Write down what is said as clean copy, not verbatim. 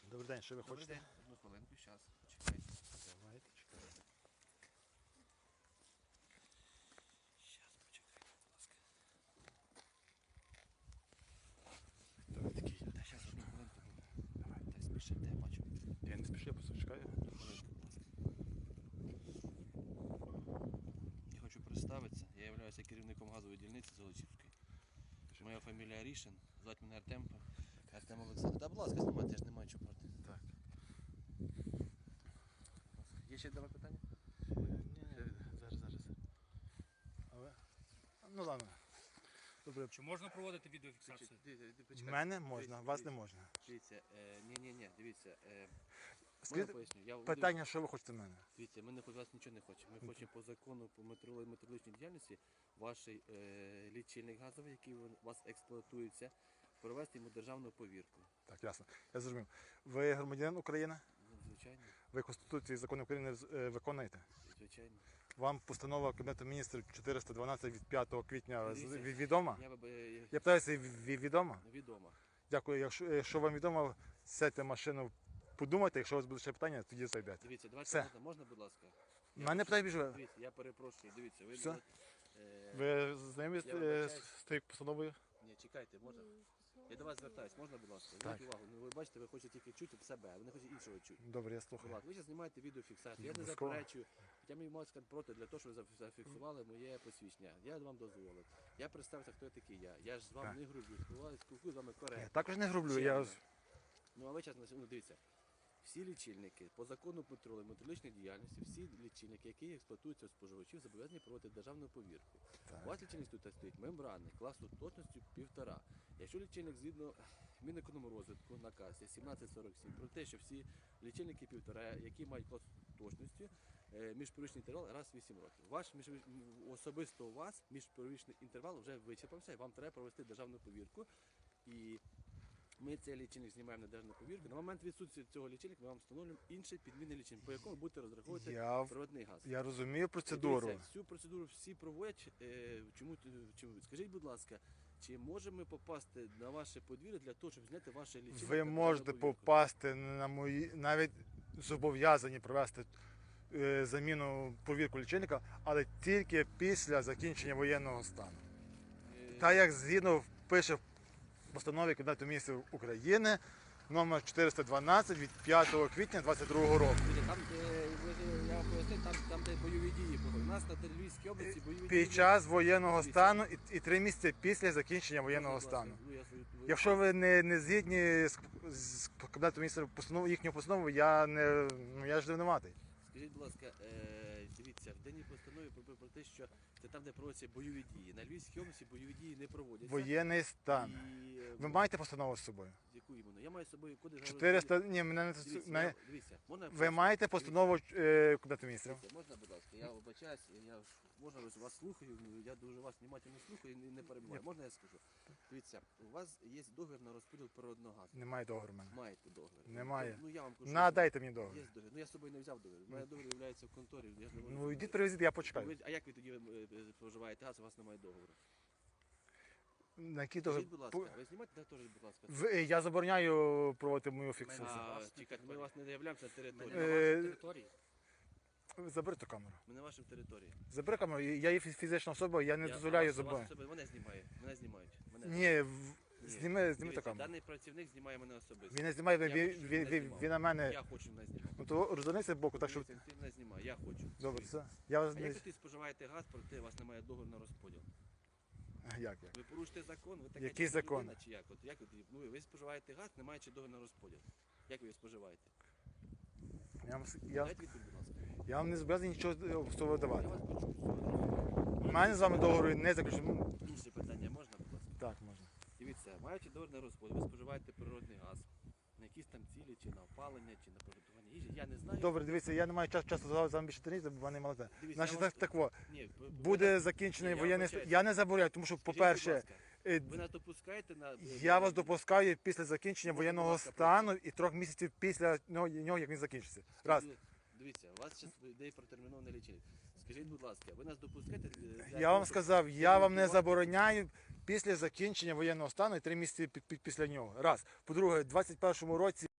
Добрий день, що ви Добрий хочете? день, одну хвилинку, зараз. Чекайте. Давайте, чекайте. Зараз, почекайте, будь ласка. Хто ви такий? Та зараз одну хвилинку буде. Давай, так спішите, я бачу. Я не спішу, я просто чекаю. Одну хвилинку, будь ласка. Я хочу представитися. Я являюся керівником газової дільниці Золочівської. Моя фамілія Рішин, звати мене Артем. Артем Олександр. Та, будь ласка, знімайте, я ж не маю чого проти. Так. Є ще до мене питання? Зараз. Але... Ну ладно. Добре. Чи можна проводити відеофіксацію? В мене можна, вас не можна. Дивіться, ні, дивіться. Можна Скажіть поясню? Я питання, що ви хочете в мене? Дивіться, ми не від вас нічого не хочемо. Ми хочемо по закону по метрологічній діяльності ваш лічильник газовий, який у вас експлуатується, провести йому державну повірку. Так, ясно. Я зрозумів. Ви громадянин України? Ну, звичайно, Ви Конституцію і закони України виконуєте? звичайно. Вам постанова Кабінету міністрів 412 від 5 квітня Дивіться, відома? Я би Я питаюся, відома? відомо. Дякую. Якщо вам відомо, сядьте в машину, подумайте, якщо у вас буде ще питання, тоді зайдете. Дивіться, Все. давайте можна, будь ласка. У мене питання більше. Дивіться, я перепрошую, дивіться, ви Все? е, Ви знайомі Я вибачаюсь. з тією постановою? Ні, чекайте, можна. Я до вас звертаюсь, можна, будь ласка? Так. Зверніть увагу. Ну, ви бачите, ви хочете тільки чути в себе, а ви не хочете іншого чути. Добре, я Будь слухаю. ласка, ви зараз знімаєте відеофіксацію. Я не Обов'язково. заперечую. Хоча мені можуть сказати проти для того, щоб ви зафіксували моє посвідчення. Я вам дозволив. Я представився, хто я такий я. Я ж з вами Так. не грублю, спілкуюсь з вами Я коректно. також не грублю. Ще Я... одне. Ну а ви зараз дивіться. Всі лічильники по закону метрологічної діяльності, всі лічильники, які експлуатуються у споживачів, зобов'язані проводити державну повірку. Так. У вас лічильник тут стоїть мембранний, класу точністю 1,5. Якщо лічильник згідно Мінекономрозвитку наказ 1747 про те, що всі лічильники 1,5, які мають клас точності, міжпривічний інтервал раз в 8 років. Особисто у вас міжпривічний інтервал вже вичерпався і вам треба провести державну повірку. І ми цей лічильник знімаємо на державну повірку. На момент відсутності цього лічильника ми вам встановлюємо інший підмінний лічильник, по якому будете розраховувати природний газ. Я розумію процедуру. Дивіться, всю процедуру всі проводять. Чому? Скажіть, будь ласка, чи можемо ми попасти на ваше подвір'я для того, щоб зняти ваше лічильник? Ви на можете державну повірку? попасти на мої, навіть зобов'язані провести заміну повірку лічильника, але тільки після закінчення воєнного стану. Так як згідно пише в постанові Кабінету міністрів України номер 412 від 5 квітня 2022 року. Там, я вам пояснив, там де бойові дії. У нас на Львівській області бойові дії. Під час воєнного стану і 3 місяці після закінчення воєнного стану. Якщо ви не згідні з Кабінетом міністрів їхньою постановою, я ж винуватий. Скажіть, будь ласка, дивіться, в денній постанові про те, що це там, де проводяться бойові дії. На Львівській області бойові дії не проводяться. Воєнний стан. І, Ви маєте постанову з собою? яку іменно? Я маю з собою кодекс. 400, ні, мене не Дивіться, можна ви маєте постанову Кабінету міністрів? Дивіться, можна, будь ласка, я вибачаюсь, можна вас слухаю, я дуже вас внимательно слухаю і не перебуваю. Можна я скажу? Дивіться, у вас є договір на розподіл природного газу. Немає договору в мене. Маєте договір? Немає. Ну я вам кажу. Надайте мені договір. Є договір. Ну я з собою не взяв договір. У мене договір є в конторі. Я ж не можу. Ну йдіть привезіть, я почекаю. А як ви тоді споживаєте газ, у вас немає договору? На який договір? Скажіть, будь ласка, ви знімаєте теж, будь ласка. Я забороняю проводити мою фіксацію. Чекайте, ми вас не заявляємося на території. На вашій території? Забери ту камеру. Ми на вашій території. Забери камеру, я є фізична особа, я не дозволяю забороняти. Мене знімає. Мене знімають. Ні, зніми ту Дивіться, камеру. даний працівник знімає мене особисто. Він не знімає, Я хочу, щоб мене він знімав. на мене. Я хочу мене знімати. Ну то розвернися боку, так що. Дивіться, ти мене знімає, я хочу. Добре, все. Я вас А не. як ви споживаєте газ, проте у вас немає договору на розподіл? Як? Ви порушите закон, ви така Який людина, закон? чи як? От як ви споживаєте газ, не маючи договору на розподіл. Як ви його споживаєте? Дайте відповідь, будь ласка. Я вам не зобов'язаний нічого з того Я давати. вас почув. У мене з вами договору не заключено. Інше питання можна, будь ласка? Так, можна. Дивіться, маючи договір на розподіл, ви споживаєте природний газ. На якісь там цілі, чи на опалення, чи на приготування їжі, я не знаю. Добре, дивіться, я не маю часу з вами більше тренувати, бо вони молоде. Дивіться, Значить, я вас- так, Ні, буде закінчений Ні, я воєнний стан. вибачаюсь. Я не забороняю, тому що, Скажіть, будь по-перше, ласка, ви нас допускаєте на... я вас допускаю після закінчення Можна, воєнного будь ласка, стану і 3 місяців після нього, як він закінчиться. Раз. Дивіться, у вас зараз йде протермінований лічильник. Скажіть, будь ласка, ви нас допускаєте? Я вам сказав, я вам не забороняю після закінчення воєнного стану і 3 місяці після нього. Раз. По-друге, в 21-му році